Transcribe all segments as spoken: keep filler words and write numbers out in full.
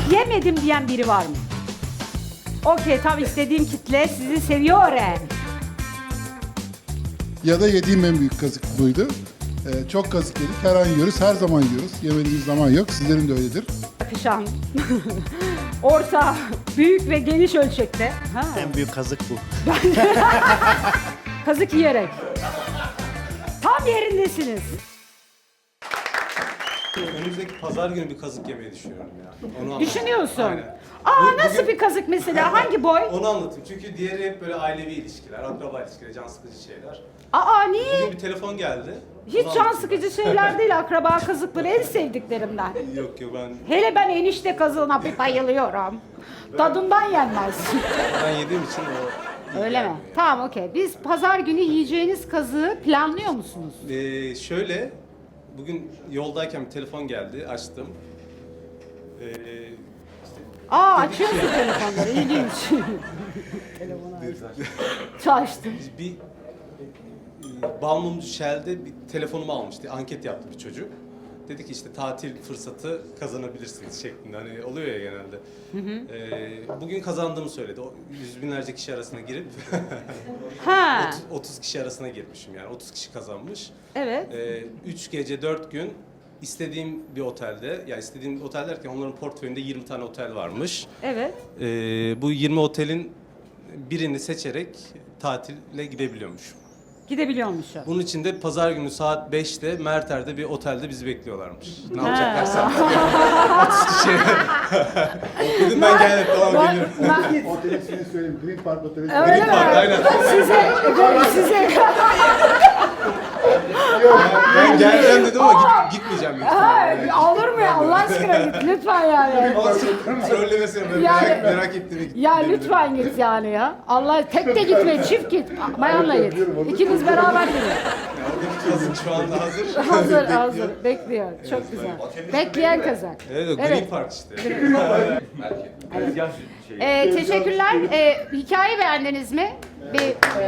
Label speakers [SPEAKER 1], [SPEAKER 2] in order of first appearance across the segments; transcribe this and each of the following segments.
[SPEAKER 1] yemedim diyen biri var mı? Okey, tam istediğim kitle sizi seviyor. he.
[SPEAKER 2] Ya da yediğim en büyük kazık buydu. Ee, çok kazık yedik. Her an yiyoruz, her zaman yiyoruz. Yemediğimiz zaman yok. Sizlerin de öyledir.
[SPEAKER 1] Akışan, orta, büyük ve geniş ölçekte. Ha.
[SPEAKER 3] En büyük kazık bu.
[SPEAKER 1] Kazık yiyerek. Tam yerindesiniz.
[SPEAKER 4] Önümüzdeki pazar günü bir kazık yemeyi düşünüyorum ya. Onu anlatayım.
[SPEAKER 1] Düşünüyorsun.
[SPEAKER 4] Aynen.
[SPEAKER 1] Aa,
[SPEAKER 4] Bu-
[SPEAKER 1] nasıl
[SPEAKER 4] bugün-
[SPEAKER 1] bir kazık mesela? Hangi boy?
[SPEAKER 4] Onu anlatayım. Çünkü diğeri hep böyle ailevi ilişkiler, akraba ilişkileri, can sıkıcı şeyler.
[SPEAKER 1] Aa, niye?
[SPEAKER 4] Bugün bir telefon geldi.
[SPEAKER 1] Hiç
[SPEAKER 4] Onu
[SPEAKER 1] can
[SPEAKER 4] anlatayım
[SPEAKER 1] sıkıcı şeyler değil, akraba kazıkları en sevdiklerimden.
[SPEAKER 4] ben. Yok yok ben,
[SPEAKER 1] Hele ben enişte kazığına bir bayılıyorum. Tadından yenmez.
[SPEAKER 4] ben yediğim için o...
[SPEAKER 1] Öyle mi? Tamam, okey. Biz pazar günü yiyeceğiniz kazığı planlıyor musunuz?
[SPEAKER 4] Ee, şöyle, bugün yoldayken bir telefon geldi, açtım. Ee,
[SPEAKER 1] Aa, açıyorsun telefonları, ilginç. Telefonu açtım.
[SPEAKER 4] bir e, Balmumcu Shell'de bir telefonumu almıştı. Anket yaptı bir çocuk. Dedi ki işte tatil fırsatı kazanabilirsiniz şeklinde. Hani oluyor ya genelde. Ee, bugün kazandığımı söyledi. O yüz binlerce kişi arasına girip
[SPEAKER 1] Ha,
[SPEAKER 4] otuz kişi arasına girmişim yani. otuz kişi kazanmış.
[SPEAKER 1] evet.
[SPEAKER 4] Ee, üç gece dört gün istediğim bir otelde, ya istediğim otel derken onların portföyünde yirmi tane otel varmış.
[SPEAKER 1] Evet.
[SPEAKER 4] Ee, bu yirmi otelin birini seçerek tatile gidebiliyormuşum.
[SPEAKER 1] Gidebiliyormuşum.
[SPEAKER 4] Bunun için de pazar günü saat beşte Merter'de bir otelde bizi bekliyorlarmış. Ne yapacaklarsa. otuz kişi. Dedim ben geldim tamam geliyorum.
[SPEAKER 2] Otelin ismini söyleyeyim. Green Park Oteli.
[SPEAKER 1] Öyle mi?
[SPEAKER 4] Aynen.
[SPEAKER 1] Size, böyle size.
[SPEAKER 4] Ben geleceğim dedim ama git, gitmeyeceğim. büyük
[SPEAKER 1] Ha,
[SPEAKER 4] ihtimalle.
[SPEAKER 1] olur mu ya? Allah aşkına git lütfen yani.
[SPEAKER 4] Trollemesine böyle
[SPEAKER 1] Yani-
[SPEAKER 4] merak, merak ettiğimi gittim.
[SPEAKER 1] Ya lütfen git yani ya. Allah, tek de gitme, çift git. Bayanla git. İkiniz beraber gidin.
[SPEAKER 4] Oradaki kazık şu anda hazır.
[SPEAKER 1] Hazır,
[SPEAKER 4] Bekliyor.
[SPEAKER 1] hazır. Bekliyor. Çok güzel. Bekleyen kazak.
[SPEAKER 4] Evet, o Green
[SPEAKER 1] Evet.
[SPEAKER 4] Park işte.
[SPEAKER 1] Ee, teşekkürler. Ee, hikaye beğendiniz mi? Bir...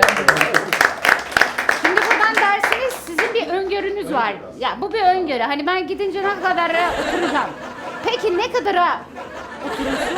[SPEAKER 1] Şimdi buradan dersiniz, sizin bir öngörünüz var. Ya bu bir öngörü. Hani ben gidince ne kadara oturacağım. Peki ne kadara oturursun?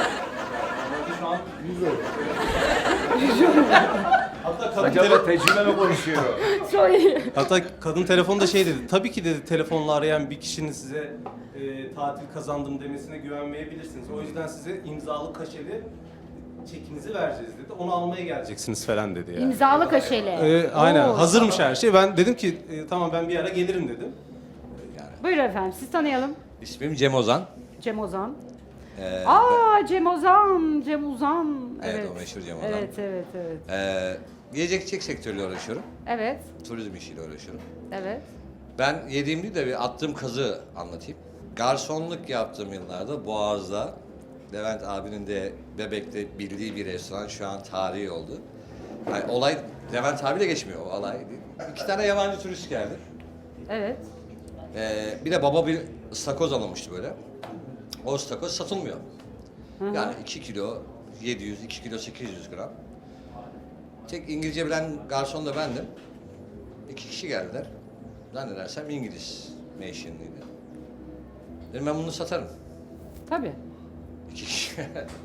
[SPEAKER 4] Hatta kadın,
[SPEAKER 5] Acaba
[SPEAKER 4] tele-
[SPEAKER 5] tecrübe mi konuşuyor?
[SPEAKER 1] Çok iyi.
[SPEAKER 4] hatta kadın telefonda şey dedi. Tabii ki dedi telefonla arayan bir kişinin size e, tatil kazandım demesine güvenmeyebilirsiniz. O yüzden size imzalı kaşeli çekinizi vereceğiz dedi. Onu almaya geleceksiniz falan dedi yani.
[SPEAKER 1] İmzalı kaşeli.
[SPEAKER 4] Ee, aynen
[SPEAKER 1] Oo.
[SPEAKER 4] hazırmış her şey. Ben dedim ki e, tamam ben bir ara gelirim dedim.
[SPEAKER 1] Buyurun efendim, siz tanıyalım.
[SPEAKER 5] İsmim Cem Ozan.
[SPEAKER 1] Cem Ozan.
[SPEAKER 5] Ee,
[SPEAKER 1] Aa, Cem Ozan, Cem Ozan.
[SPEAKER 5] Evet,
[SPEAKER 1] Evet,
[SPEAKER 5] o meşhur Cem Ozan.
[SPEAKER 1] Evet, evet, evet.
[SPEAKER 5] Ee, yiyecek içecek sektörüyle uğraşıyorum.
[SPEAKER 1] Evet,
[SPEAKER 5] Turizm işiyle uğraşıyorum.
[SPEAKER 1] evet.
[SPEAKER 5] Ben yediğimde de bir attığım kazı anlatayım. Garsonluk yaptığım yıllarda Boğaz'da Levent abinin de Bebek'te bildiği bir restoran şu an tarihi oldu. Yani olay Levent abiyle geçmiyor o olay. İki tane yabancı turist geldi.
[SPEAKER 1] Evet.
[SPEAKER 5] Ee, bir de baba bir ıstakoz alınmıştı böyle. O ıstakoz satılmıyor. Yani iki kilo yedi yüz, iki kilo sekiz yüz gram. Tek İngilizce bilen garson da bendim. İki kişi geldiler. Zannedersem İngiliz mentionlıydı. Dedim ben bunu satarım.
[SPEAKER 1] Tabii.
[SPEAKER 5] İki kişi.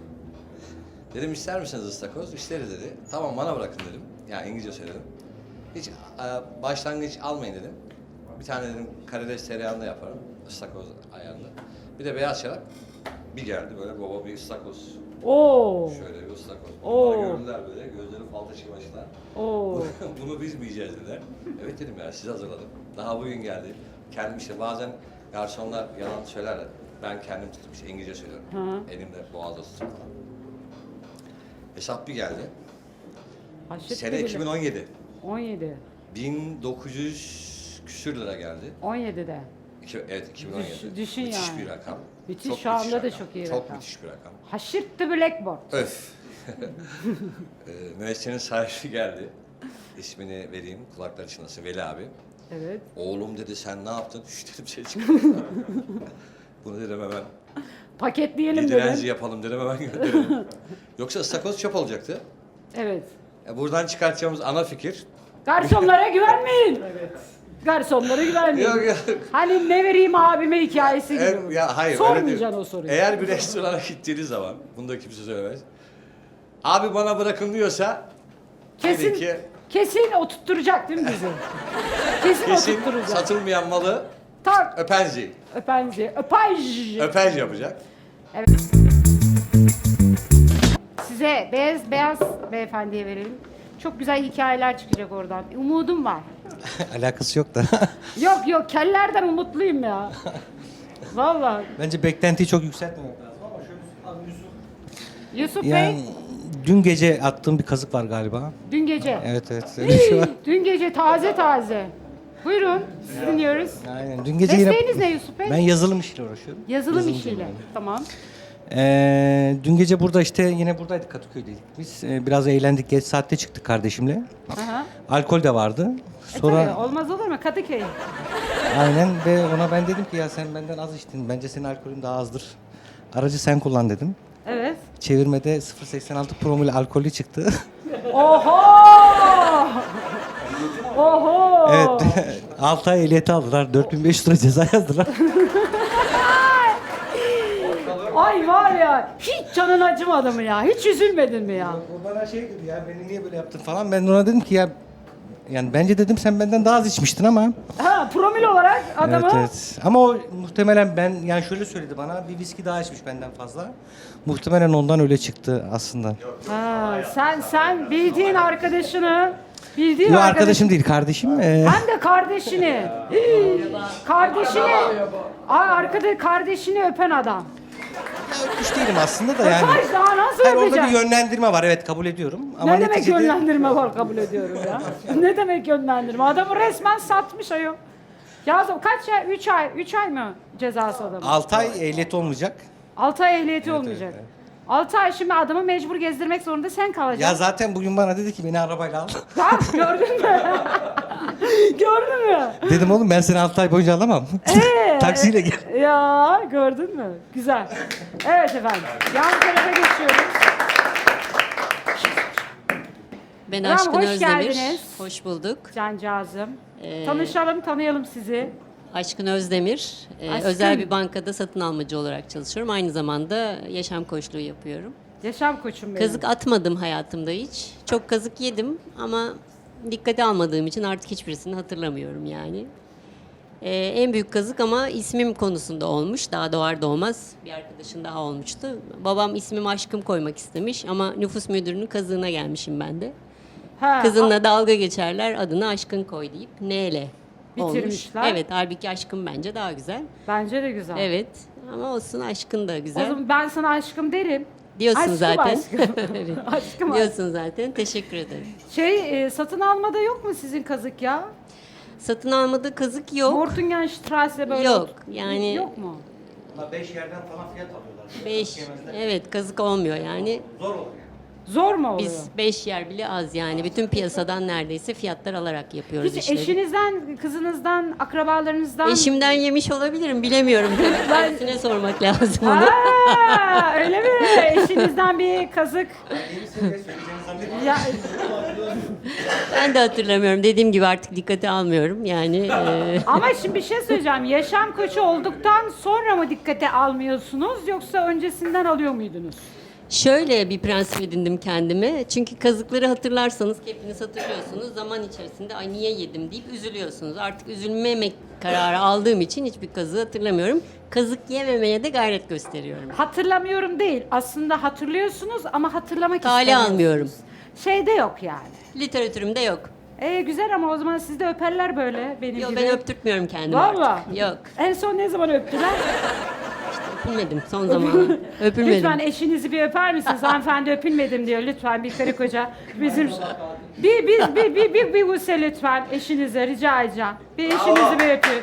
[SPEAKER 5] Dedim ister misiniz ıstakoz? İsteriz dedi. Tamam bana bırakın dedim. Yani İngilizce söyledim. Hiç e, başlangıç almayın dedim. Bir tane dedim karides tereyağında yaparım. Istakoz ayarında. Bir de beyaz şarap. Bir geldi böyle baba bir ıstakoz.
[SPEAKER 1] Oo.
[SPEAKER 5] Şöyle bir ıstakoz.
[SPEAKER 1] Oo.
[SPEAKER 5] Bunlar gördüler böyle gözleri fal taşı başlar.
[SPEAKER 1] Oo.
[SPEAKER 5] Bunu biz mi yiyeceğiz dediler. Evet dedim ya size hazırladım. Daha bugün geldi. Kendim işte bazen garsonlar yalan söylerler. Ben kendim tutup işte İngilizce söylüyorum.
[SPEAKER 1] Hı.
[SPEAKER 5] Elimde boğazda tutup falan. Hesap bir geldi.
[SPEAKER 1] Haşır
[SPEAKER 5] Sene
[SPEAKER 1] bile.
[SPEAKER 5] iki bin on yedi.
[SPEAKER 1] on yedi.
[SPEAKER 5] bin dokuz yüz küsür lira geldi.
[SPEAKER 1] on yedide.
[SPEAKER 5] İki, evet iki bin on yedi.
[SPEAKER 1] Düş- düşün
[SPEAKER 5] müthiş
[SPEAKER 1] yani.
[SPEAKER 5] bir rakam.
[SPEAKER 1] Müthiş,
[SPEAKER 5] Çok
[SPEAKER 1] şu anda da
[SPEAKER 5] rakam.
[SPEAKER 1] çok iyi
[SPEAKER 5] Çok
[SPEAKER 1] rakam.
[SPEAKER 5] müthiş bir rakam.
[SPEAKER 1] Haşırt the blackboard.
[SPEAKER 5] Öf. ee, müessesenin sahibi geldi. İsmini vereyim, kulakları çınlasın, Veli abi.
[SPEAKER 1] Evet.
[SPEAKER 5] Oğlum dedi sen ne yaptın? Şş dedim şey çıkardım. Bunu dedim hemen
[SPEAKER 1] Paketleyelim
[SPEAKER 5] bir direnci
[SPEAKER 1] dedim.
[SPEAKER 5] yapalım dedim hemen gönderelim. Yoksa ıstakoz çöp olacaktı.
[SPEAKER 1] Evet.
[SPEAKER 5] Ya buradan çıkartacağımız ana fikir
[SPEAKER 1] Garsonlara güvenmeyin. Garsonlara güvenmiyorum.
[SPEAKER 5] Yok, yok.
[SPEAKER 1] Hani ne vereyim abime hikayesi gibi.
[SPEAKER 5] Evet, ya hayır öyle
[SPEAKER 1] Sormayacaksın
[SPEAKER 5] değil.
[SPEAKER 1] o soruyu.
[SPEAKER 5] Eğer bir restorana gittiğiniz zaman, bunu da kimse söylemez. Abi bana bırakın diyorsa,
[SPEAKER 1] Kesin,
[SPEAKER 5] dedin ki
[SPEAKER 1] kesin oturtturacak değil mi bizi? Kesin,
[SPEAKER 5] kesin
[SPEAKER 1] oturtturacak.
[SPEAKER 5] satılmayan malı
[SPEAKER 1] Tak,
[SPEAKER 5] öpenzi,
[SPEAKER 1] öpenzi, öpaj.
[SPEAKER 5] öpenzi yapacak.
[SPEAKER 1] Size beyaz beyaz beyefendiye verelim. Çok güzel hikayeler çıkacak oradan. Umudum var.
[SPEAKER 3] Alakası yok da.
[SPEAKER 1] Yok yok, kellerden umutluyum ya. Vallahi.
[SPEAKER 3] Bence beklentiyi çok yükseltmemek lazım ama şöyle
[SPEAKER 1] Yusuf
[SPEAKER 3] yani
[SPEAKER 1] Bey,
[SPEAKER 3] dün gece attığım bir kazık var galiba.
[SPEAKER 1] dün gece.
[SPEAKER 3] Evet evet. Öyle bir şey var.
[SPEAKER 1] Dün gece taze taze. Buyurun, sizi dinliyoruz.
[SPEAKER 3] Aynen. Dün gece yine
[SPEAKER 1] Mesleğiniz ne Yusuf Bey?
[SPEAKER 3] ben yazılım işiyle uğraşıyorum.
[SPEAKER 1] Yazılım
[SPEAKER 3] Yazılımcıyım
[SPEAKER 1] işiyle.
[SPEAKER 3] yani.
[SPEAKER 1] Tamam.
[SPEAKER 3] Ee, dün gece burada işte yine buradaydık, Kadıköy'deydik. Biz Ee, biraz eğlendik, geç saatte çıktık kardeşimle.
[SPEAKER 1] Aha.
[SPEAKER 3] Alkol de vardı.
[SPEAKER 1] E
[SPEAKER 3] Sonra
[SPEAKER 1] tabii, olmaz olur mu? Kadıköy.
[SPEAKER 3] aynen ve ona ben dedim ki ya sen benden az içtin. Bence senin alkolün daha azdır. Aracı sen kullan dedim.
[SPEAKER 1] Evet.
[SPEAKER 3] Çevirmede sıfır virgül seksen altı promil alkollü çıktı.
[SPEAKER 1] Oho! Oho!
[SPEAKER 3] Evet. altı ay ehliyeti aldılar. dört bin beş yüz lira ceza yazdılar.
[SPEAKER 1] Ay var ya, hiç canın acımadı mı ya? Hiç üzülmedin mi ya?
[SPEAKER 3] O bana şey dedi ya, beni niye böyle yaptın falan. Ben de ona dedim ki ya, yani bence dedim sen benden daha az içmiştin ama.
[SPEAKER 1] Ha, promil olarak adamı...
[SPEAKER 3] Evet evet. Ama o muhtemelen ben, yani şöyle söyledi bana, bir viski daha içmiş benden fazla. Muhtemelen ondan öyle çıktı aslında.
[SPEAKER 1] Ha, sen sen bildiğin arkadaşını, bildiğin
[SPEAKER 3] Yok
[SPEAKER 1] arkadaş-
[SPEAKER 3] arkadaşım değil, kardeşim. Ee,
[SPEAKER 1] Hem de kardeşini. Hii, kardeşini. Ay arkada kardeşini öpen adam.
[SPEAKER 3] öpmüş değilim aslında da yani.
[SPEAKER 1] Öpmez daha nasıl
[SPEAKER 3] Hayır, orada bir
[SPEAKER 1] öpeceksin?
[SPEAKER 3] yönlendirme var, evet kabul ediyorum. Ama
[SPEAKER 1] Ne demek
[SPEAKER 3] neticede-
[SPEAKER 1] yönlendirme var, kabul ediyorum ya. Ne demek yönlendirme? Adamı resmen satmış ayol. Ya kaç ay? Üç ay. Üç ay mı cezası adamın?
[SPEAKER 3] altı ay ehliyet olmayacak.
[SPEAKER 1] Altı ay ehliyeti olmayacak.
[SPEAKER 3] evet,
[SPEAKER 1] Altı ay şimdi adamı mecbur gezdirmek zorunda sen
[SPEAKER 3] Ya
[SPEAKER 1] kalacaksın.
[SPEAKER 3] zaten bugün bana dedi ki beni arabayla al.
[SPEAKER 1] Bak gördün mü? Gördün mü?
[SPEAKER 3] Dedim oğlum ben seni altı ay boyunca alamam.
[SPEAKER 1] Ee,
[SPEAKER 3] Taksiyle gel.
[SPEAKER 1] Ya gördün mü? Güzel. Evet efendim. Yan tarafa geçiyoruz.
[SPEAKER 6] Ben
[SPEAKER 1] Tamam,
[SPEAKER 6] Aşkın
[SPEAKER 1] hoş
[SPEAKER 6] Özdemir.
[SPEAKER 1] geldiniz.
[SPEAKER 6] Hoş bulduk.
[SPEAKER 1] Cancağızım.
[SPEAKER 6] Ee,
[SPEAKER 1] Tanışalım, tanıyalım sizi.
[SPEAKER 6] Aşkın Özdemir. Ee,
[SPEAKER 1] Aşkın.
[SPEAKER 6] özel bir bankada satın almacı olarak çalışıyorum. Aynı zamanda yaşam koçluğu yapıyorum.
[SPEAKER 1] Yaşam koçum benim.
[SPEAKER 6] Kazık atmadım hayatımda hiç. Çok kazık yedim ama dikkate almadığım için artık hiçbirisini hatırlamıyorum yani. Ee, en büyük kazık ama ismim konusunda olmuş. Daha doğar doğmaz bir arkadaşın daha olmuştu. Babam ismimi Aşkım koymak istemiş ama nüfus müdürünün kazığına gelmişim ben de.
[SPEAKER 1] Ha,
[SPEAKER 6] Kızınla dalga geçerler, adını Aşkın koy deyip neyle olmuş.
[SPEAKER 1] Bitirmişler.
[SPEAKER 6] Evet, halbuki Aşkın bence daha güzel.
[SPEAKER 1] Bence de güzel.
[SPEAKER 6] Evet, ama olsun Aşkın da
[SPEAKER 1] O
[SPEAKER 6] güzel.
[SPEAKER 1] zaman ben sana aşkım derim.
[SPEAKER 6] Diyorsun
[SPEAKER 1] Aşkım,
[SPEAKER 6] zaten.
[SPEAKER 1] aşkım.
[SPEAKER 6] Evet.
[SPEAKER 1] Aşkım,
[SPEAKER 6] Diyorsun zaten, teşekkür ederim.
[SPEAKER 1] Şey, e, satın almada yok mu sizin kazık ya?
[SPEAKER 6] Satın almada kazık yok.
[SPEAKER 1] Mortungenstrasse böyle.
[SPEAKER 6] Yok, yani-
[SPEAKER 1] Yok mu?
[SPEAKER 3] beş yerden falan fiyat alıyorlar.
[SPEAKER 6] Beş, evet kazık olmuyor yani.
[SPEAKER 3] Zor olur.
[SPEAKER 1] Zor mu oluyor?
[SPEAKER 6] Biz beş yer bile az yani. Bütün piyasadan neredeyse fiyatlar alarak yapıyoruz
[SPEAKER 1] Hiç
[SPEAKER 6] işleri.
[SPEAKER 1] eşinizden, kızınızdan, akrabalarınızdan...
[SPEAKER 6] Eşimden yemiş olabilirim, bilemiyorum. Kendisine sormak lazım onu.
[SPEAKER 1] Aa, öyle mi? Eşinizden bir kazık. Ya,
[SPEAKER 6] Ben de hatırlamıyorum. Dediğim gibi artık dikkate almıyorum. Yani e,
[SPEAKER 1] ama şimdi bir şey söyleyeceğim. Yaşam koçu olduktan sonra mı dikkate almıyorsunuz yoksa öncesinden alıyor muydunuz?
[SPEAKER 6] şöyle bir prensip edindim kendime. Çünkü kazıkları hatırlarsanız, hepiniz hatırlıyorsunuz. Zaman içerisinde ay niye yedim deyip üzülüyorsunuz. Artık üzülmemek kararı aldığım için hiçbir kazığı hatırlamıyorum. Kazık yememeye de gayret gösteriyorum.
[SPEAKER 1] Hatırlamıyorum değil. Aslında hatırlıyorsunuz ama hatırlamak
[SPEAKER 6] Kale
[SPEAKER 1] istemiyorsunuz.
[SPEAKER 6] almıyorum.
[SPEAKER 1] Şeyde yok yani.
[SPEAKER 6] Literatürümde yok.
[SPEAKER 1] E güzel ama o zaman siz de öperler böyle benim
[SPEAKER 6] Yok
[SPEAKER 1] gibi.
[SPEAKER 6] ben öptürtmüyorum kendimi
[SPEAKER 1] Vallahi.
[SPEAKER 6] artık. Yok.
[SPEAKER 1] En son ne zaman öptüler?
[SPEAKER 6] Öpülmedim son zamanlarda. Öpülmedim.
[SPEAKER 1] Lütfen eşinizi bir öper misiniz? Hanımefendi öpülmedim diyor. Lütfen bir karı koca. Bizim bir bir bir bir bir, bir buse lütfen eşinize rica edeceğim. Bir eşinizi bir öpün.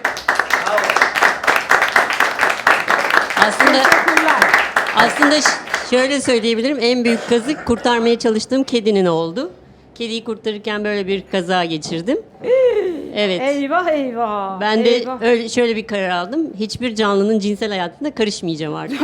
[SPEAKER 6] Aslında
[SPEAKER 1] Teşekkürler.
[SPEAKER 6] aslında ş- şöyle söyleyebilirim. En büyük kazık kurtarmaya çalıştığım kedinin oldu. Kediyi kurtarırken böyle bir kaza geçirdim. Evet.
[SPEAKER 1] Eyvah eyvah.
[SPEAKER 6] Ben de
[SPEAKER 1] eyvah.
[SPEAKER 6] öyle şöyle bir karar aldım. Hiçbir canlının cinsel hayatına karışmayacağım artık.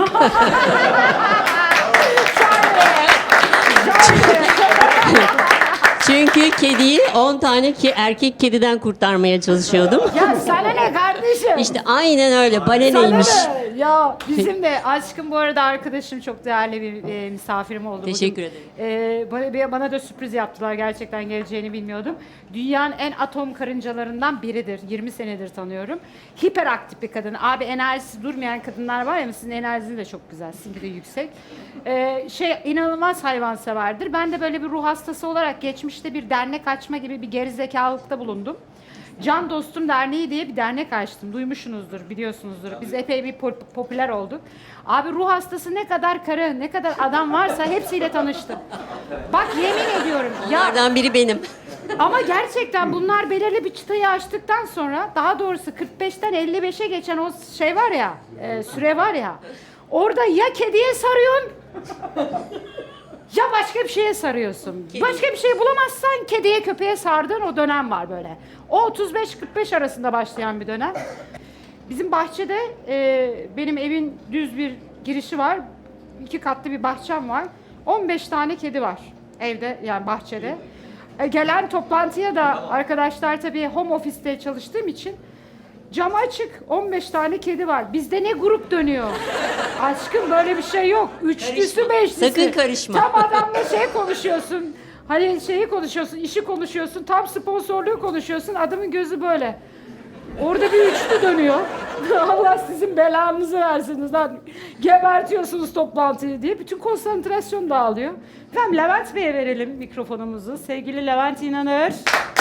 [SPEAKER 6] Çünkü kediyi on tane ki erkek kediden kurtarmaya çalışıyordum.
[SPEAKER 1] Ya sana ne kardeşim?
[SPEAKER 6] İşte aynen öyle.
[SPEAKER 1] Sana
[SPEAKER 6] Baleneymiş.
[SPEAKER 1] ne? Ya bizim de aşkım bu arada arkadaşım çok değerli bir e, misafirim oldu.
[SPEAKER 6] Teşekkür
[SPEAKER 1] Bugün,
[SPEAKER 6] ederim.
[SPEAKER 1] e, bana, bana da sürpriz yaptılar. Gerçekten geleceğini bilmiyordum. Dünyanın en atom karıncalarından biridir. yirmi senedir tanıyorum. Hiperaktif bir kadın. Abi enerjisi durmayan kadınlar var ya, sizin enerjiniz de çok güzel. Sizinki de yüksek. E, şey inanılmaz hayvanseverdir. Ben de böyle bir ruh hastası olarak geçmişte bir dernek açma gibi bir gerizekalılıkta bulundum. Can Dostum Derneği diye bir dernek açtım. Duymuşsunuzdur, biliyorsunuzdur. Biz epey bir pop- popüler olduk. Abi ruh hastası ne kadar karı, ne kadar adam varsa hepsiyle tanıştım. Bak yemin ediyorum. Ya
[SPEAKER 6] Onlardan biri benim.
[SPEAKER 1] ama gerçekten bunlar belirli bir çıtayı aştıktan sonra, daha doğrusu kırk beşten elli beşe geçen o şey var ya, e, süre var ya. Orada ya kediye sarıyorsun ya başka bir şeye sarıyorsun.
[SPEAKER 6] Kedi.
[SPEAKER 1] Başka bir şey bulamazsan kediye köpeğe sardığın o dönem var böyle. O otuz beş kırk beş arasında başlayan bir dönem. Bizim bahçede e, benim evin düz bir girişi var. İki katlı bir bahçem var. on beş tane kedi var evde, yani bahçede. E, gelen toplantıya da arkadaşlar, tabii home office'te çalıştığım için cam açık, on beş tane kedi var. Bizde ne grup dönüyor? Aşkım böyle bir şey yok. Üçlüsü
[SPEAKER 6] Karışma.
[SPEAKER 1] beşlisi.
[SPEAKER 6] Sakın karışma.
[SPEAKER 1] Tam adamla şey konuşuyorsun. Hani şeyi konuşuyorsun, işi konuşuyorsun, tam sponsorluğu konuşuyorsun. Adamın gözü böyle. Orada bir üçlü dönüyor. Allah sizin belanızı versin lan. Gebertiyorsunuz toplantıyı diye. Bütün konsantrasyon dağılıyor. Efendim Levent Bey'e verelim mikrofonumuzu. Sevgili Levent İnanır.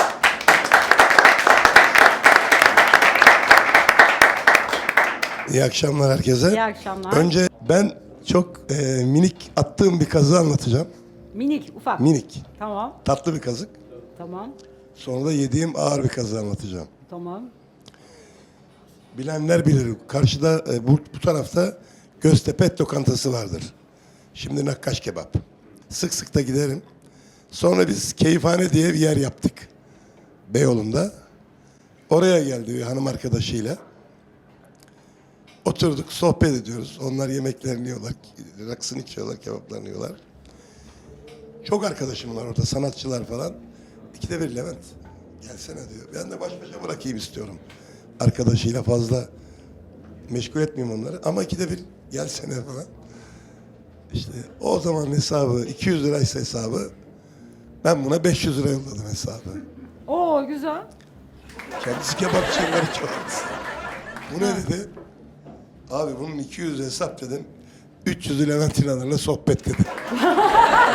[SPEAKER 7] İyi akşamlar herkese.
[SPEAKER 1] İyi akşamlar.
[SPEAKER 7] Önce ben çok e, minik attığım bir kazığı anlatacağım.
[SPEAKER 1] Minik, ufak.
[SPEAKER 7] Minik,
[SPEAKER 1] Tamam,
[SPEAKER 7] tatlı bir kazık.
[SPEAKER 1] tamam,
[SPEAKER 7] Sonra da yediğim ağır bir kazığı anlatacağım.
[SPEAKER 1] tamam.
[SPEAKER 7] Bilenler bilir. Karşıda e, bu, bu tarafta Göztepe et lokantası vardır. Şimdi nakkaş kebap. Sık sık da giderim. Sonra biz Keyifhane diye bir yer yaptık. Beyoğlu'nda. Oraya geldi bir hanım arkadaşıyla. Oturduk, sohbet ediyoruz. Onlar yemeklerini yiyorlar, rakısını içiyorlar, kebaplarını yiyorlar. Çok arkadaşım var orada, sanatçılar falan. İkide bir Levent, gelsene diyor. Ben de baş başa bırakayım istiyorum. Arkadaşıyla fazla meşgul etmeyeyim onları. Ama ikide bir gelsene falan. İşte o zaman hesabı, iki yüz liraysa hesabı, ben buna beş yüz lira yolladım hesabı.
[SPEAKER 1] Oo güzel.
[SPEAKER 7] Kendisi kebapçıları çok. Bu ne dedi? Abi bunun iki yüz hesap dedim. üç yüzü Levent İnanır'la sohbet dedi.